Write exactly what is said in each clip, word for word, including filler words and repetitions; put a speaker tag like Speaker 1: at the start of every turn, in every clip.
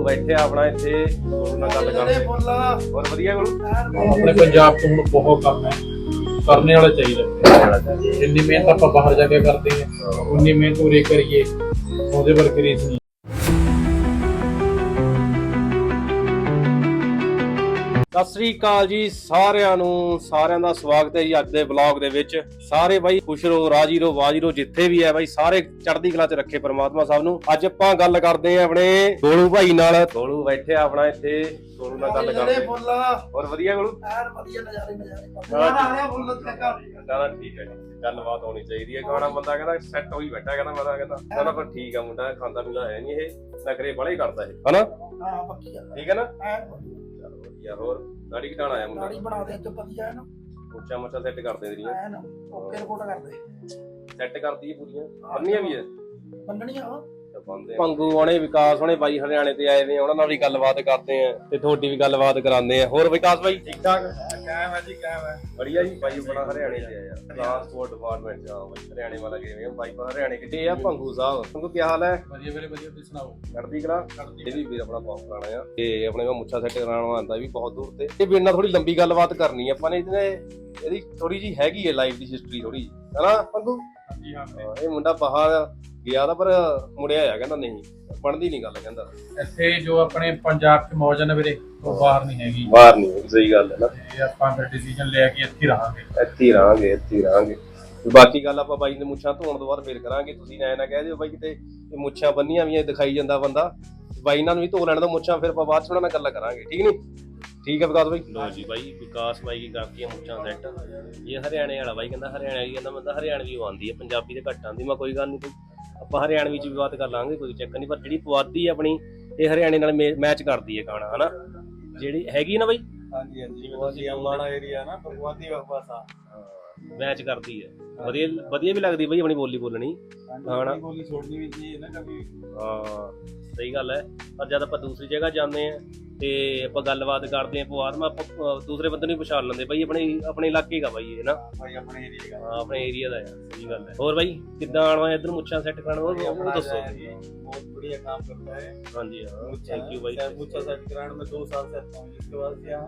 Speaker 1: बैठे अपना इत्थे गोलू नाल गल करदे और वधिया गोलू
Speaker 2: अपने पंजाब तो हुण बहुत कम है करने वाला चाहिए जिन्नी मेहनत आप बाहर जाके करते हैं उन्नी मेहनत उरे करिए ਉਹਦੇ ਵਰਗੀ ਰੀਸ ਨਹੀਂ।
Speaker 1: ਸਤਿ ਸ੍ਰੀ ਅਕਾਲ ਜੀ ਸਾਰਿਆਂ ਨੂੰ ਸਾਰਿਆਂ ਦਾ ਸਵਾਗਤ ਹੈ ਜੀ ਅੱਜ ਦੇ ਵਲੌਗ ਦੇ ਵਿੱਚ। ਸਾਰੇ ਬਾਈ ਖੁਸ਼ ਰਹੋ, ਰਾਜੀ ਰਹੋ, ਵਾਜੀ ਰਹੋ, ਜਿੱਥੇ ਵੀ ਹੈ ਬਾਈ ਸਾਰੇ ਚੜ੍ਹਦੀ ਕਲਾ 'ਚ ਰੱਖੇ ਪਰਮਾਤਮਾ ਸਭ ਨੂੰ। ਅੱਜ ਆਪਾਂ ਗੱਲ ਕਰਦੇ ਆਂ ਆਪਣੇ ਗੋਲੂ ਭਾਈ ਨਾਲ। ਗੋਲੂ ਬੈਠੇ ਆਪਣਾ ਇੱਥੇ, ਗੋਲੂ ਨਾਲ ਗੱਲ ਕਰਦੇ ਹੋਰ ਵਧੀਆ ਗੋਲੂ ਐਨ ਵਧੀਆ ਨਜ਼ਾਰੇ ਨਜ਼ਾਰੇ ਆ ਰਿਹਾ ਫੁੱਲ ਚੱਕਾ ਠੀਕ ਹੈ ਜੀ। ਗੱਲਬਾਤ ਹੋਣੀ ਚਾਹੀਦੀ ਹੈ। ਗਾਣਾ ਬੰਦਾ ਕਹਿੰਦਾ ਸੈੱਟ ਹੋਈ ਬੈਠਾ, ਕਹਿੰਦਾ ਮੈਂ ਤਾਂ ਕਹਿੰਦਾ ਕਹਿੰਦਾ ਪਰ ਠੀਕ ਆ ਮੁੰਡਾ ਖਾਂਦਾ ਪੀਂਦਾ ਹੈ ਨਹੀਂ, ਇਹ ਨਖਰੇ ਬੜੇ ਕਰਦਾ ਇਹ ਹਨਾ। ਹਾਂ ਪੱਕੀ ਗੱਲ ਠੀਕ ਹੈ ਨਾ। ਚਲੋ ਵਧੀਆ। ਹੋਰ ਦਾੜੀ ਘਟਾਣਾ ਆਇਆ ਮੁੰਡਾ? ਦਾੜੀ ਬਣਾ ਦੇ ਅੱਜ ਵਧੀਆ ਹੈ ਨਾ, ਮੁੱਛਾਂ ਮੁੱਛਾਂ ਸੈੱਟ ਕਰ ਦੇ ਤੇਰੀਆਂ ਐਨ ਓਕੇ ਰਿਪੋਰਟ ਕਰਦੇ ਸੈੱਟ ਕਰਦੀ ਪੂਰੀਆਂ ਬੰਨੀਆਂ ਵੀ ਹੈ ਬੰਨਣੀਆਂ ਪੰਗੂ ਆਉਣੇ ਵਿਕਾਸ ਹੋਣੇ ਬਾਈ ਹਰਿਆਣੇ ਤੇ ਆਏ ਨੇ, ਉਹਨਾਂ ਨਾਲ ਵੀ ਗੱਲਬਾਤ ਕਰਦੇ ਆ ਤੇ ਤੁਹਾਡੀ ਵੀ ਗੱਲਬਾਤ ਕਰਾਉਂਦੇ ਆ। ਹੋਰ ਵਿਕਾਸ ਬਾਈ ਠੀਕ ਠਾਕ? ਕਾਇਮ ਹੈ ਜੀ ਕਾਇਮ ਹੈ ਵਧੀਆ ਜੀ। ਬਾਈ ਬੜਾ ਹਰਿਆਣੇ ਤੇ ਆਇਆ ਟ੍ਰਾਂਸਪੋਰਟ ਡਿਪਾਰਟਮੈਂਟ ਚ। ਬਾਈ ਹਰਿਆਣੇ ਵਾਲਾ ਗਏ ਆ ਬਾਈ ਹਰਿਆਣੇ ਕਿਤੇ ਆ। ਪੰਗੂ ਸਾਹਿਬ ਪੰਗੂ ਕੀ ਹਾਲ ਹੈ? ਵਧੀਆ ਵੀਰੇ ਵਧੀਆ, ਤੁਸੀਂ ਸੁਣਾਓ? ਚੜ੍ਹਦੀ ਕਲਾ। ਇਹ ਵੀ ਵੀਰ ਆਪਣਾ ਬਹੁਤ ਪੁਰਾਣਾ ਆ ਤੇ ਆਪਣੇ ਕੋਲ ਮੁੱਛਾ ਸੈੱਟ ਕਰਾਉਣ ਆਉਂਦਾ ਵੀ ਬਹੁਤ ਦੂਰ ਤੇ। ਇਹ ਵੀਰ ਨਾਲ ਥੋੜੀ ਲੰਬੀ ਗੱਲਬਾਤ ਕਰਨੀ ਆ ਆਪਾਂ ਨੇ। ਇਹਦੀ ਥੋੜੀ ਜੀ ਹੈਗੀ ਹੈ ਲਾਈਫ ਦੀ ਹਿਸਟਰੀ ਥੋੜੀ ਜੀ ਹਨਾ ਪੰਗੂ? ਹਾਂਜੀ ਹਾਂ। ਇਹ ਮੁੰਡਾ ਬਾਹਰ ਗਿਆ ਤਾਂ ਪਰ ਮੁੜਿਆ ਆ, ਕਹਿੰਦਾ ਨਹੀਂ ਬਣਦੀ ਨਹੀਂ ਗੱਲ, ਕਹਿੰਦਾ
Speaker 2: ਇੱਥੇ ਜੋ ਆਪਣੇ ਪੰਜਾਬ ਚ ਮੌਜ ਨੇ ਵੀਰੇ ਉਹ ਬਾਹਰ ਨਹੀਂ ਹੈਗੀ।
Speaker 1: ਬਾਹਰ ਨਹੀਂ, ਸਹੀ ਗੱਲ ਹੈ ਨਾ।
Speaker 2: ਇਹ ਆਪਾਂ ਫਿਰ ਡਿਸੀਜਨ ਲਿਆ ਕਿ ਇੱਥੇ ਰਹਾਂਗੇ
Speaker 1: ਇੱਥੇ ਹੀ ਰਹਾਂਗੇ ਇੱਥੇ ਹੀ ਰਹਾਂਗੇ। ਬਾਕੀ ਗੱਲ ਆਪਾਂ ਬਾਈ ਦੇ ਮੁੱਛਾਂ ਧੋਣ ਤੋਂ ਬਾਅਦ ਫੇਰ ਕਰਾਂਗੇ। ਤੁਸੀਂ ਐ ਨਾ ਕਹਿ ਦਿਓ ਬਾਈ ਕਿਤੇ ਮੁੱਛਾਂ ਬੰਨੀਆਂ ਵੀ ਦਿਖਾਈ ਜਾਂਦਾ ਬੰਦਾ। ਬਾਈ ਨਾਲ ਵੀ ਧੋ ਲੈਣ ਦਾ ਮੁੱਛਾਂ, ਫਿਰ ਆਪਾਂ ਬਾਅਦ ਚ ਉਹਨਾਂ ਨਾਲ ਗੱਲਾਂ ਕਰਾਂਗੇ, ਠੀਕ ਨੀ? ਠੀਕ ਹੈ ਵਿਕਾਸ ਬਾਈ। ਲੋ ਜੀ ਬਾਈ ਵਿਕਾਸ ਬਾਈ ਕੀ ਕਰਦੀ ਹੈ ਮੁੱਛਾਂ ਸੈੱਟ। ਇਹ ਹਰਿਆਣੇ ਵਾਲਾ ਬਾਈ ਕਹਿੰਦਾ ਹਰਿਆਣੇ ਵਾਲੀ, ਕਹਿੰਦਾ ਮੈਂ ਤਾਂ ਹਰਿਆਣਵੀ ਆਉਂਦੀ ਹੈ, ਪੰਜਾਬੀ ਤੇ ਘੱਟ ਆਉਂਦੀ। ਮੈਂ ਕੋਈ ਗੱਲ ਨਹੀਂ, ਆਪਾਂ ਹਰਿਆਣਵੀ ਚ ਵੀ ਬਾਤ ਕਰ ਲਾਂਗੇ, ਕੋਈ ਚੱਕਰ ਨਹੀਂ। ਪਰ ਜਿਹੜੀ ਪੁਆਧੀ ਆਪਣੀ ਇਹ ਹਰਿਆਣੇ ਨਾਲ ਮੈਚ ਕਰਦੀ ਹੈ ਗਾਣਾ ਹਨਾ, ਜਿਹੜੀ ਹੈਗੀ ਨਾ ਬਾਈ। ਹਾਂਜੀ ਹਾਂਜੀ ਏਰੀਆ ਨਾ ਪੁਆਧੀ ਭਾਸ਼ਾ ਮੈਚ ਕਰਦੀ ਹੈ। ਵਧੀਆ ਵਧੀਆ ਵੀ ਲੱਗਦੀ ਬਾਈ ਆਪਣੀ ਬੋਲੀ ਬੋਲਣੀ ਹਨਾ, ਬੋਲੀ ਛੋੜਨੀ ਵੀ ਚਾਹੀਏ ਨਾ ਕभी। ਹਾਂ ਸਹੀ ਗੱਲ ਹੈ। ਪਰ ਜਦ ਆਪਾਂ ਦੂਸਰੀ ਜਗ੍ਹਾ ਜਾਂਦੇ ਆ ਤੇ ਆਪਾਂ ਗੱਲਬਾਤ ਕਰਦੇ ਆ ਪਵਾਰ ਮੈਂ ਆਪਾਂ ਦੂਸਰੇ ਬੰਦੇ ਨੂੰ ਪਛਾਣ ਲੈਂਦੇ ਬਾਈ ਆਪਣੇ ਆਪਣੇ ਇਲਾਕੇ ਦਾ ਬਾਈ ਇਹ ਨਾ ਬਾਈ ਆਪਣੇ ਏਰੀਆ ਦਾ। ਹਾਂ ਆਪਣੇ ਏਰੀਆ ਦਾ ਆ, ਸਹੀ ਗੱਲ ਹੈ। ਹੋਰ ਬਾਈ ਕਿੱਦਾਂ ਆਉਣਾ ਇੱਧਰ ਮੁੱਛਾਂ ਸੈੱਟ ਕਰਾਉਣ? ਉਹ ਦੱਸੋ। ਬਹੁਤ ਵਧੀਆ ਕੰਮ ਕਰਦਾ ਹੈ। ਹਾਂਜੀ ਹਾਂ ਥੈਂਕ ਯੂ ਬਾਈ। ਮੁੱਛਾਂ ਸੈੱਟ कराने में दो साल से आता हूँ, इसके बाद से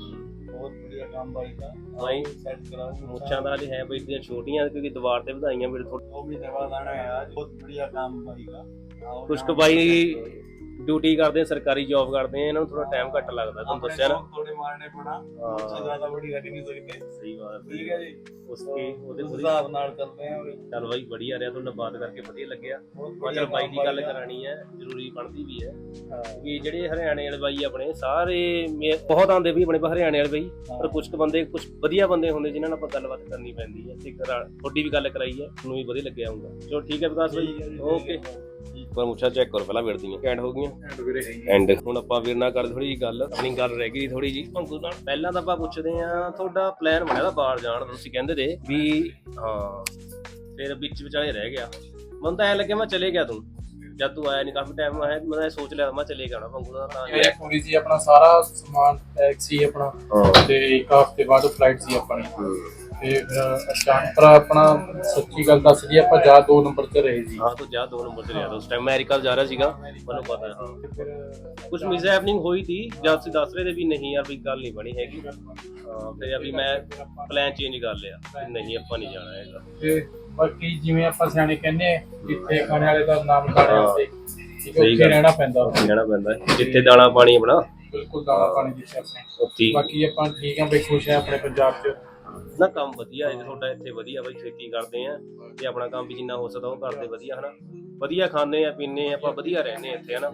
Speaker 1: बहुत बढ़िया काम भाई का भाई सेट कराओ। मुच्छां दा है भाई ਦੀਆਂ ਛੋਟੀਆਂ ਕਿਉਂਕਿ ਦੀਵਾਰ ਤੇ ਵਧਾਈਆਂ ਵੀਰ ਥੋੜੀ ਉਹ ਵੀ ਦਵਾ ਲਾਣਾ ਹੈ आज। बहुत बढ़िया काम भाई का। ਕੁਛ ਕੁ ਬਾਈ ਡਿਊਟੀ ਕਰਦੇ ਆ, ਸਰਕਾਰੀ ਜੌਬ ਕਰਦੇ ਆ, ਇਹਨਾਂ ਨੂੰ ਥੋੜਾ ਟਾਈਮ ਘੱਟ ਲੱਗਦਾ, ਤੁਹਾਨੂੰ ਦੱਸਿਆ ਨਾ। ਥੋੜੇ ਮਾਰਨੇ ਪੜਾ ਹਾਂ ਜ਼ਿਆਦਾ ਬੜੀ ਰੱਖ ਨਹੀਂ ਸਕਦੇ। ਸਹੀ ਬਾਤ ਠੀਕ ਹੈ ਜੀ। ਉਸਕੇ ਉਹਦੇ ਹਿਸਾਬ ਨਾਲ ਚੱਲਦੇ ਆ। ਚੱਲ ਬਾਈ ਵਧੀਆ ਰਿਹਾ, ਤੁਹਾਨੂੰ ਬਾਤ ਕਰਕੇ ਵਧੀਆ ਲੱਗਿਆ। ਮਤਲਬ ਬਾਈ ਦੀ ਗੱਲ ਕਰਾਣੀ ਹੈ, ਜ਼ਰੂਰੀ ਬਣਦੀ ਵੀ ਹੈ ਕਿ ਜਿਹੜੇ ਹਰਿਆਣੇ ਵਾਲੇ ਬਾਈ ਆਪਣੇ ਸਾਰੇ ਬਹੁਤ ਆਉਂਦੇ ਵੀ ਆਪਣੇ ਹਰਿਆਣੇ ਵਾਲੇ ਬਾਈ, ਪਰ ਕੁਛ ਕੁ ਬੰਦੇ ਕੁਛ ਵਧੀਆ ਬੰਦੇ ਹੁੰਦੇ ਜਿਨ੍ਹਾਂ ਨਾਲ ਆਪਾਂ ਗੱਲਬਾਤ ਕਰਨੀ ਪੈਂਦੀ ਹੈ। ਤੇ ਤੁਹਾਡੀ ਵੀ ਗੱਲ ਕਰਾਈ ਹੈ, ਤੁਹਾਨੂੰ ਵੀ ਵਧੀਆ ਲੱਗਿਆ ਹੋਊਗਾ। ਚਲੋ ਠੀਕ ਹੈ ਵਿਕਾਸ ਬਾਈ ਓਕੇ। ਪਰ ਮੁੱਛਾਂ ਚੈੱਕ ਕਰੋ ਪਹਿਲਾਂ ਵੀਰ ਦੀਆਂ ਐਂਡ ਹੋ ਗਈਆਂ ਐਂਡ। ਹੁਣ ਆਪਾਂ ਵੀਰ ਨਾਲ ਕਰਦੇ ਥੋੜੀ ਜਿਹੀ ਗੱਲ, ਆਪਣੀ ਗੱਲ ਰਹਿ ਗਈ ਥੋੜੀ ਜਿਹੀ ਪੰਗੂ ਨਾਲ। ਪਹਿਲਾਂ ਤਾਂ ਆਪਾਂ ਪੁੱਛਦੇ ਆ ਤੁਹਾਡਾ ਪਲਾਨ ਬਣਿਆ ਤਾਂ ਬਾਹਰ ਜਾਣ ਦਾ, ਤੁਸੀਂ ਕਹਿੰਦੇ ਤੇ ਵੀ ਹਾਂ, ਫਿਰ ਵਿੱਚ ਵਿਚਾਲੇ ਰਹਿ ਗਿਆ। ਮੈਨੂੰ ਤਾਂ ਐ ਲੱਗਿਆ ਮੈਂ ਚਲੇ ਗਿਆ, ਤੂੰ ਜਦ ਤੂੰ ਆਇਆ ਨਹੀਂ ਕਾਫੀ ਟਾਈਮ ਆਇਆ, ਮੈਂ ਸੋਚ ਲਿਆ ਮੈਂ ਚਲੇ ਗਿਆ ਪੰਗੂ ਦਾ। ਤਾਂ
Speaker 2: ਇਹ ਥੋੜੀ ਜੀ ਆਪਣਾ ਸਾਰਾ ਸਮਾਨ ਪੈਕ ਸੀ ਆਪਣਾ ਤੇ ਇੱਕ ਹਫ਼ਤੇ ਬਾਅਦ ਫਲਾਈਟ ਸੀ ਆਪਣੀ ਤੇ ਫਿਰ ਅਚਾਨਕ ਆਪਣਾ ਸੱਚੀ ਗੱਲ ਦੱਸ ਜੀ ਆਪਾਂ ਜਾ ਦੋ ਨੰਬਰ ਤੇ ਰਹੇ ਸੀ।
Speaker 1: ਹਾਂ ਤੂੰ ਜਾ ਦੋ ਨੰਬਰ ਤੇ ਰਿਹਾ ਉਸ ਟਾਈਮ, ਮੈਂ ਅਮਰੀਕਾ ਜਾ ਰਿਹਾ ਸੀਗਾ, ਮੈਨੂੰ ਪਤਾ ਹੈ। ਹਾਂ ਫਿਰ ਕੁਝ ਮਿਸ ਹੈਪਨਿੰਗ ਹੋਈ ਥੀ ਜਦ ਤੁਸੀਂ ਦੱਸ ਰਹੇ ਤੇ ਵੀ ਨਹੀਂ ਯਾਰ ਵੀ ਗੱਲ ਨਹੀਂ ਬਣੀ ਹੈਗੀ। ਹਾਂ ਫਿਰ ਅਭੀ ਮੈਂ ਪਲਾਨ ਚੇਂਜ ਕਰ ਲਿਆ, ਨਹੀਂ ਆਪਾਂ ਨਹੀਂ ਜਾਣਾ ਹੈਗਾ। ਤੇ
Speaker 2: ਬਾਕੀ ਜਿਵੇਂ ਆਪਾਂ ਸਿਆਣੇ ਕਹਿੰਦੇ ਜਿੱਥੇ ਖਾਣੇ ਵਾਲੇ ਦਾ ਨਾਮ ਦਾਣਾ ਉੱਥੇ ਉੱਥੇ ਰਹਿਣਾ ਪੈਂਦਾ, ਉੱਥੇ ਰਹਿਣਾ ਪੈਂਦਾ ਜਿੱਥੇ ਦਾਣਾ ਪਾਣੀ ਆਪਣਾ। ਬਿਲਕੁਲ ਦਾਣਾ ਪਾਣੀ ਜਿੱਥੇ ਆਪਣੇ। ਬਾਕੀ ਆਪਾਂ ਠੀਕ ਆ ਬਈ, ਖੁਸ਼ ਆ ਆਪਣੇ ਪੰਜਾਬ 'ਚ
Speaker 1: ਨਾ। ਕੰਮ ਵਧੀਆ ਹੈ ਤੁਹਾਡਾ ਇੱਥੇ, ਵਧੀਆ ਬਾਈ ਖੇਤੀ ਕਰਦੇ ਆ ਤੇ ਆਪਣਾ ਕੰਮ ਵੀ ਜਿੰਨਾ ਹੋ ਸਕਦਾ ਉਹ ਕਰਦੇ ਵਧੀਆ ਹਨਾ। ਵਧੀਆ ਖਾਂਦੇ ਆ ਪੀਂਦੇ ਆ ਆਪਾਂ, ਵਧੀਆ ਰਹਿੰਦੇ ਆ ਇੱਥੇ ਹਨਾ।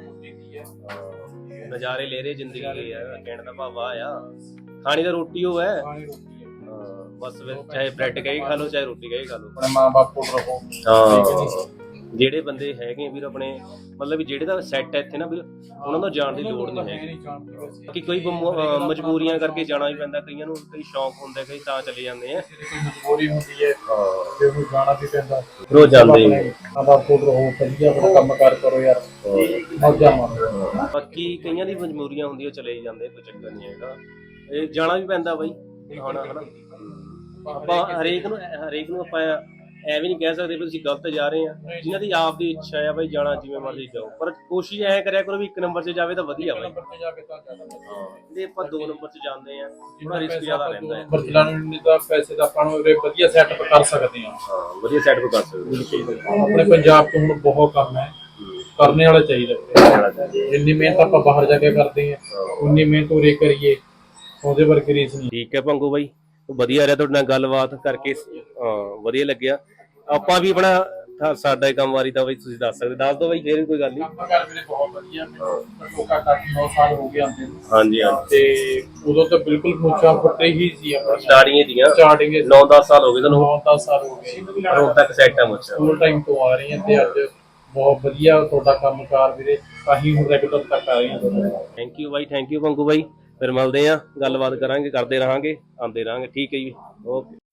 Speaker 1: ਨਜ਼ਾਰੇ ਲੈ ਰਹੇ ਜ਼ਿੰਦਗੀ ਦੇ ਆ, ਕਹਿਣ ਦਾ ਭਾਵ ਆ ਖਾਣੀ ਤਾਂ ਰੋਟੀ ਉਹ ਹੈ। ਬਸ ਚਾਹੇ ਬ੍ਰੈਡ ਕਹੀ ਖਾ ਲਓ ਚਾਹੇ ਰੋਟੀ ਕਹੀ ਖਾ ਲਓ, ਆਪਣੇ ਮਾਂ ਬਾਪ ਕੋਲ ਰਹੋ। ਹਾਂ ਜਿਹੜੇ ਬੰਦੇ ਹੈਗੇ ਵੀਰ ਆਪਣੇ ਮਤਲਬ ਜਿਹੜੇ ਦਾ ਸੈੱਟ ਹੈ ਇੱਥੇ ਨਾ ਵੀਰ, ਉਹਨਾਂ ਨੂੰ ਜਾਣ ਦੀ ਲੋੜ ਨਹੀਂ ਹੈਗੀ। ਕਿ ਕੋਈ ਮਜਬੂਰੀਆਂ ਕਰਕੇ ਜਾਣਾ ਵੀ ਪੈਂਦਾ, ਕਈਆਂ ਨੂੰ ਕਈ ਸ਼ੌਕ ਹੁੰਦੇ, ਕਈ ਤਾਂ ਚਲੇ ਜਾਂਦੇ ਆ।
Speaker 2: ਮਜਬੂਰੀ ਹੁੰਦੀ ਹੈ ਤੇ ਉਹ ਜਾਣਾ ਵੀ ਪੈਂਦਾ,
Speaker 1: ਰੋਜ਼ ਜਾਂਦੇ
Speaker 2: ਮਾਂ ਬਾਪ ਕੋਲ ਰਹੋ, ਵਧੀਆ ਆਪਣਾ ਕੰਮ ਕਾਰ ਕਰੋ ਯਾਰ, ਮੌਜਾਂ ਮਾਰੋ।
Speaker 1: ਬਾਕੀ ਕਈਆਂ ਦੀ ਮਜਬੂਰੀਆਂ ਹੁੰਦੀਆਂ ਚਲੇ ਜਾਂਦੇ, ਕੋਈ ਚੱਕਰ ਨਹੀਂ ਹੈਗਾ, ਇਹ ਜਾਣਾ ਵੀ ਪੈਂਦਾ ਬਾਈ ਹੁਣ ਹਨਾ। ਆਪਾਂ ਹਰੇਕ ਨੂੰ ਹਰੇਕ ਨੂੰ ਆਪਾਂ ਐਵੇਂ ਨਹੀਂ ਕਹਿ ਸਕਦੇ ਵੀ ਤੁਸੀਂ ਗਲਤ ਜਾ ਰਹੇ ਆ। ਜਿਨ੍ਹਾਂ ਦੀ ਆਪ ਦੀ ਇੱਛਾ ਆ ਬਾਈ ਜਾਣਾ ਜਿਵੇਂ ਮਰਜ਼ੀ ਜਾਓ, ਪਰ ਕੋਸ਼ਿਸ਼ ਐ ਕਰਿਆ ਕਰੋ ਵੀ ਇੱਕ ਨੰਬਰ 'ਚ ਜਾਵੇ ਤਾਂ ਵਧੀਆ ਬਾਈ।
Speaker 2: ਨੰਬਰ ਤੇ ਜਾ ਕੇ ਤਾਂ ਜ਼ਿਆਦਾ ਵਧੀਆ।
Speaker 1: ਹਾਂ ਜੇ ਆਪਾਂ ਦੋ ਨੰਬਰ 'ਚ ਜਾਂਦੇ ਆ ਥੋੜਾ ਰਿਸਕ ਜ਼ਿਆਦਾ ਰਹਿੰਦਾ ਹੈ।
Speaker 2: ਨੰਬਰ ਚਲਾਉਣ ਨਹੀਂ ਤਾਂ ਪੈਸੇ ਦਾ ਆਪਾਂ ਨੂੰ ਉਰੇ ਵਧੀਆ ਸੈਟਅਪ ਕਰ ਸਕਦੇ ਹਾਂ।
Speaker 1: ਹਾਂ ਵਧੀਆ ਸੈਟਅਪ ਕਰ ਸਕਦੇ ਹੋ।
Speaker 2: ਆਪਣੇ ਪੰਜਾਬ 'ਚ ਹੁਣ ਬਹੁਤ ਕੰਮ ਹੈ, ਕਰਨੇ ਵਾਲਾ ਚਾਹੀਦਾ। ਜਿੰਨੀ ਮਿਹਨਤ ਆਪਾਂ ਬਾਹਰ ਜਾ ਕੇ ਕਰਦੇ ਹਾਂ ਉਨੀ ਮਿਹਨਤ ਉਰੇ ਕਰੀਏ, ਉਹਦੇ ਵਰਗੀ ਰੀਸ ਨਹੀਂ।
Speaker 1: ਠੀਕ ਹੈ ਭੰਗੂ ਬਾਈ, ਵਧੀਆ ਰਿਹਾ ਤੁਹਾਡੇ ਨਾਲ ਗੱਲਬਾਤ ਕਰਕੇ। ਹਾਂ ਵਧੀਆ ਲੱਗਿਆ। ਆਪਾਂ ਵੀ ਆਪਣਾ ਸਾਡਾ ਹੀ ਕੰਮ ਵਾਰੀ ਤਾਂ ਬਈ ਤੁਸੀਂ ਦੱਸ ਸਕਦੇ, ਦੱਸ ਦਿਓ ਬਾਈ ਫੇਰ ਵੀ ਕੋਈ ਗੱਲ ਨਹੀਂ।
Speaker 2: ਕੰਮ ਕਾਰ ਮੇਰੇ ਬਹੁਤ ਵਧੀਆ, ਮੈਨੂੰ ਲੋਕਾਂ ਤੱਕ ਨੌ ਸਾਲ ਹੋ ਗਏ ਆਉਂਦੇ ਨੂੰ।
Speaker 1: ਹਾਂਜੀ ਹਾਂ
Speaker 2: ਤੇ ਉਦੋਂ ਤਾਂ ਬਿਲਕੁਲ ਮੁੱਛਾਂ ਫੁੱਟੇ ਹੀ ਸੀ ਆਪਣੀ,
Speaker 1: ਸਟਾਰਟਿੰਗ ਦੀਆਂ
Speaker 2: ਸਟਾਰਟਿੰਗ
Speaker 1: ਨੌ ਦਸ ਸਾਲ ਹੋ ਗਏ ਤੁਹਾਨੂੰ,
Speaker 2: ਨੌ ਦਸ ਸਾਲ ਹੋ ਗਏ
Speaker 1: ਪਰ ਹੁਣ ਤੱਕ ਸੈੱਟ ਆ ਮੁੱਛਾਂ।
Speaker 2: ਸਕੂਲ ਟਾਈਮ ਤੋਂ ਆ ਰਹੀ ਹਾਂ ਤੇ ਅੱਜ ਬਹੁਤ ਵਧੀਆ ਤੁਹਾਡਾ ਕੰਮ ਕਾਰ ਵੀਰੇ, ਅਸੀਂ ਹੁਣ ਰੈਗੂਲਰ ਤੱਕ ਆ ਰਹੇ ਹਾਂ।
Speaker 1: ਥੈਂਕ ਯੂ ਬਾਈ, ਥੈਂਕ ਯੂ ਭੰਗੂ ਬਾਈ। ਫਿਰ ਮਿਲਦੇ ਆ, ਗੱਲਬਾਤ ਕਰਾਂਗੇ, ਕਰਦੇ ਰਹਾਂਗੇ, ਆਉਂਦੇ ਰਹਾਂਗੇ। ਠੀਕ ਹੈ ਜੀ, ਓਕੇ।